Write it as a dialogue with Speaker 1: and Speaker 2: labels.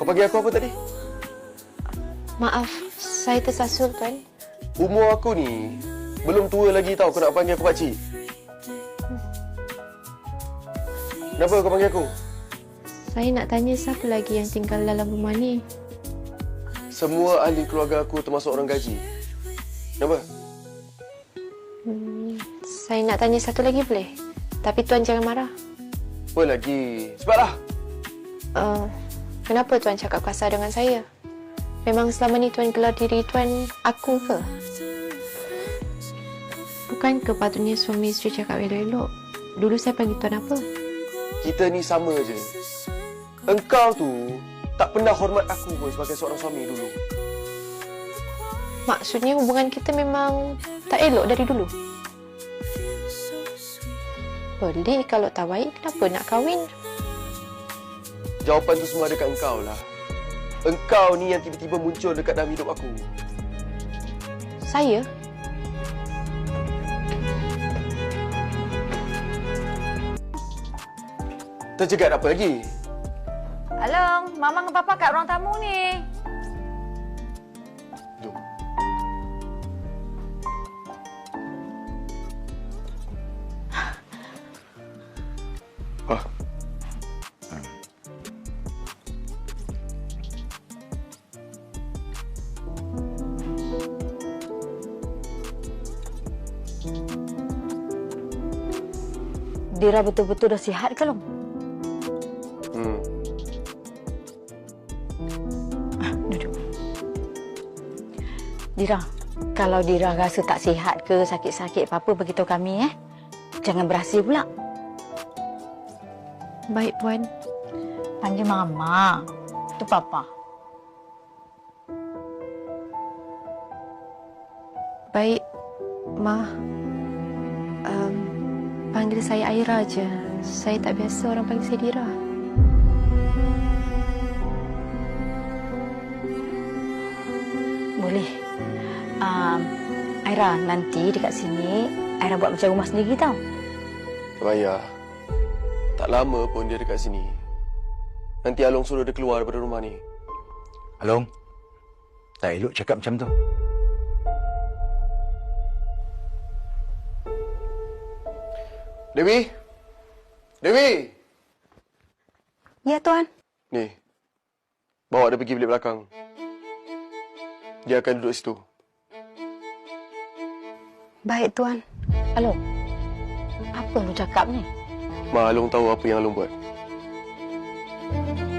Speaker 1: Kau panggil aku apa tadi?
Speaker 2: Maaf, saya tersasul, Tuan.
Speaker 1: Umur aku ni belum tua lagi tau kau nak panggil aku pakcik. Kenapa kau panggil aku?
Speaker 2: Saya nak tanya siapa lagi yang tinggal dalam rumah ni.
Speaker 1: Semua ahli keluarga aku termasuk orang gaji. Kenapa?
Speaker 2: Saya nak tanya satu lagi boleh? Tapi Tuan jangan marah.
Speaker 1: Apa lagi? Cepatlah.
Speaker 2: Kenapa Tuan cakap kasar dengan saya? Memang selama ni Tuan gelar diri Tuan aku ke? Bukan ke patutnya suami isteri cakap elok-elok? Dulu saya panggil Tuan apa?
Speaker 1: Kita ni sama je. Engkau tu tak pernah hormat aku pun sebagai seorang suami dulu.
Speaker 2: Maksudnya hubungan kita memang tak elok dari dulu? Boleh kalau tak baik, kenapa nak kahwin?
Speaker 1: Jawapan tu semua dekat engkau lah. Engkau ni yang tiba-tiba muncul dekat dalam hidup aku.
Speaker 2: Saya?
Speaker 1: Terjegat apa lagi?
Speaker 3: Along, Mama dengan Papa kat ruang tamu ni.
Speaker 1: Jom. Wah.
Speaker 3: Dira betul-betul dah sihat ke, Long? Duduk. Dira, kalau Dira rasa tak sihat ke, sakit-sakit apa-apa, beritahu kami, Jangan berhasil pula.
Speaker 2: Baik, Puan.
Speaker 3: Panggil Mama. Tu Papa.
Speaker 2: Baik, Ma. Panggil saya Aira je. Saya tak biasa orang panggil saya Dira.
Speaker 3: Boleh. Aira, nanti dekat sini, Aira buat macam rumah sendiri tau.
Speaker 1: Tak payah. Tak lama pun dia dekat sini. Nanti Along suruh dia keluar daripada rumah ni.
Speaker 4: Along, tak elok cakap macam tu.
Speaker 1: Dewi? Dewi!
Speaker 3: Ya, Tuan.
Speaker 1: Ni, bawa dia pergi bilik belakang. Dia akan duduk situ.
Speaker 3: Baik, Tuan. Along, apa lu cakap ni?
Speaker 1: Ma, Along tahu apa yang Along buat.